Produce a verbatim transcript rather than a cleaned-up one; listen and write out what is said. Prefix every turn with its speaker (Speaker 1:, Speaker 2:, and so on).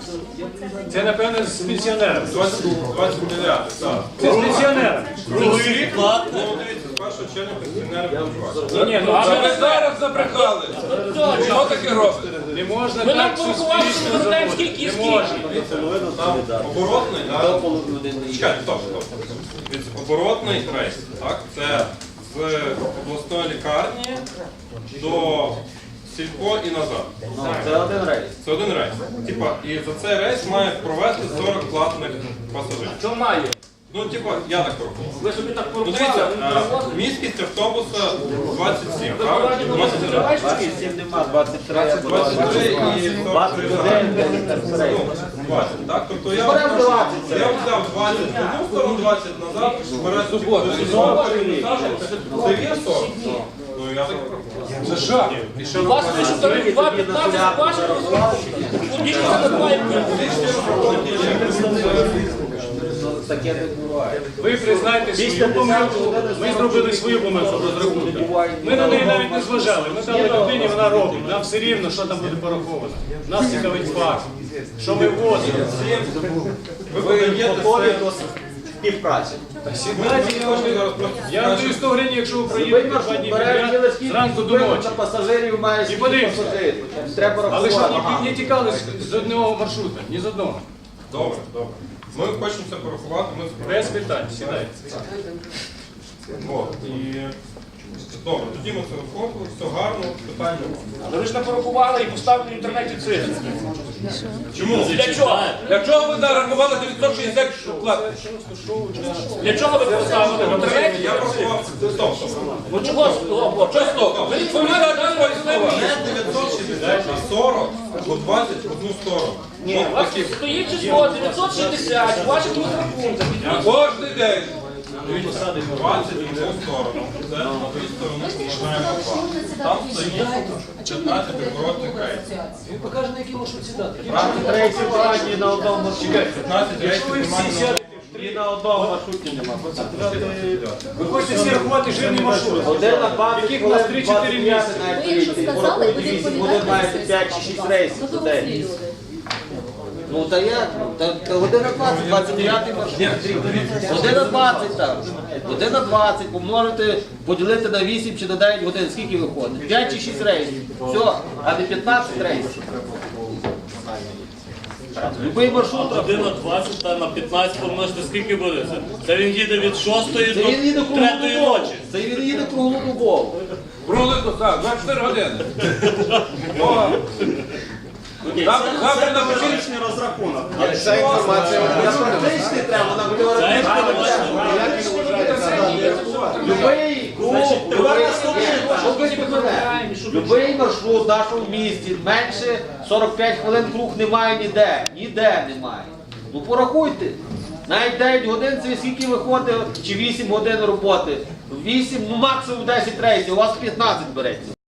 Speaker 1: Це, напевно, з пенсіонерами.
Speaker 2: двадцять дев'яте, так.
Speaker 1: Це з пенсіонерами.
Speaker 2: Другий рік? Ну, дивіться, з першого червня пенсіонери будуть.
Speaker 1: Ні, ні, ну
Speaker 3: А
Speaker 1: а
Speaker 3: ви зараз забрехали. Що таке робите?
Speaker 1: не можна
Speaker 4: Ви нам
Speaker 1: так
Speaker 4: порахували, що
Speaker 1: суспільно
Speaker 4: ми знаємо,
Speaker 1: заводити.
Speaker 4: скільки і
Speaker 1: Не
Speaker 4: скільки.
Speaker 1: можна.
Speaker 2: Там оборотний, так? Чекайте, стоп, стоп. Дивіться, оборотний рейс, так? Це з обласної лікарні до Сільпо і назад.
Speaker 5: Це один рейс.
Speaker 2: Це один рейс. Типа, і за цей рейс має провести сорок платних пасажирів.
Speaker 4: Що має?
Speaker 2: Ну, типа, я так порахував.
Speaker 4: Ви собі так
Speaker 2: Ну,
Speaker 4: порахували?
Speaker 2: дивіться, е, міськість автобуса двадцять сім, правильно? двадцять три.
Speaker 5: двадцять сім нема, двадцять три або
Speaker 2: двадцять три і
Speaker 5: двадцять один рейс.
Speaker 2: двадцять, так? Тобто я
Speaker 5: Беремо двадцять.
Speaker 2: я взяв двадцять в одну сторону, двадцять назад, бере суботу, це є сорок. Ну, я так порахував.
Speaker 1: Це жах.
Speaker 4: У вас лише тариф два п'ятнадцять ваших, більше це не має бути.
Speaker 5: Таке не буває.
Speaker 1: Ви признаєте свою помилку, ми зробили свою помилку в розрахунках. Ми на неї навіть не зважали. Ми дали людині, вона робить. Нам все рівно, що там буде пораховано. Нас цікавить факт. Що ми возимо.
Speaker 2: Ви подаєте
Speaker 5: Готові
Speaker 2: це.
Speaker 5: до співпраці.
Speaker 1: Сідайте, я вам
Speaker 2: Зараз просто
Speaker 1: я вам даю сто гривень, якщо ви проїдете два дні підряд, зранку до ночі.
Speaker 5: На пасажирів має
Speaker 1: І
Speaker 5: скільки
Speaker 1: подивимося.
Speaker 5: пасажирів. Треба
Speaker 1: Але ж
Speaker 5: рахувати.
Speaker 1: не, не тікали з- з одного маршрута, ні з одного.
Speaker 2: Добре, добре. Ми хочемо це порахувати, ми
Speaker 1: Без питань, сідайте.
Speaker 2: От, і... Добре, тоді ми це виходили, все гарно, питань немає.
Speaker 4: Але ви ж не порахували і поставили в інтернеті цифри.
Speaker 2: Чому?
Speaker 4: Для чого?
Speaker 3: Для чого ви нарахували дев'ятсот шістдесят платних?
Speaker 4: Для чого ви поставили в інтернеті?
Speaker 2: Я порахував, стоп, стоп.
Speaker 4: Ну чого? Стоп,
Speaker 3: Що стоп? Ви відповідаєте свої слова.
Speaker 2: Не дев'ятсот шістдесят, а сорок по двадцять в одну сторону.
Speaker 4: Ні, у вас стоїть число дев'ятсот шістдесят, у ваших розрахунках.
Speaker 3: Кожний день.
Speaker 2: двадцять в одну сторону. Це на дві сторони помножаємо два. Там стоїть п'ятнадцять оборотних рейсів.
Speaker 1: Він покаже, на який маршрут сідати.
Speaker 5: Рейсів багато на одному маршруті.
Speaker 2: п'ятнадцять рейсів немає.
Speaker 5: І на одному маршруті нема.
Speaker 1: Ви хочете всі рахувати жирний маршрут.
Speaker 5: Один на двадцять,
Speaker 1: Яких у нас три-чотири місяці.
Speaker 5: навіть
Speaker 6: Ви якщо
Speaker 5: вийти.
Speaker 6: сказали,
Speaker 5: Порахуйте
Speaker 6: ви
Speaker 5: вісім
Speaker 6: відповідаєте
Speaker 5: годин, маєте
Speaker 6: за
Speaker 5: п'ять
Speaker 6: це.
Speaker 5: чи шість рейсів
Speaker 6: Ну,
Speaker 5: за
Speaker 6: дорослі
Speaker 5: день.
Speaker 6: люди.
Speaker 5: Ну та як? Та, та година двадцять, двадцять дев'ятий маршрут. Година двадцять там. Година двадцять, помножити, поділити на вісім чи на дев'ять годин. Скільки виходить? п'ять чи шість рейсів. Все, а не п'ятнадцять рейсів. Любий маршрут.
Speaker 7: Година двадцять та на п'ятнадцять помножити скільки буде це? Це він їде від шостої
Speaker 5: Це він їде
Speaker 7: до третьої
Speaker 5: круглодобово.
Speaker 7: ночі.
Speaker 5: Це він їде круглодобово.
Speaker 3: Круглий так, двадцять чотири години. О, Завтра завтра напишіть.
Speaker 5: Ця інформація я практичний треба, вона буде Любий Любий маршрут в нашому місті менше сорок п'ять хвилин круг немає ніде. Ніде немає. Ну порахуйте. Навіть дев'ять годин це скільки виходить, чи вісім годин роботи. вісім, ну максимум десять рейсів, у вас п'ятнадцять береться.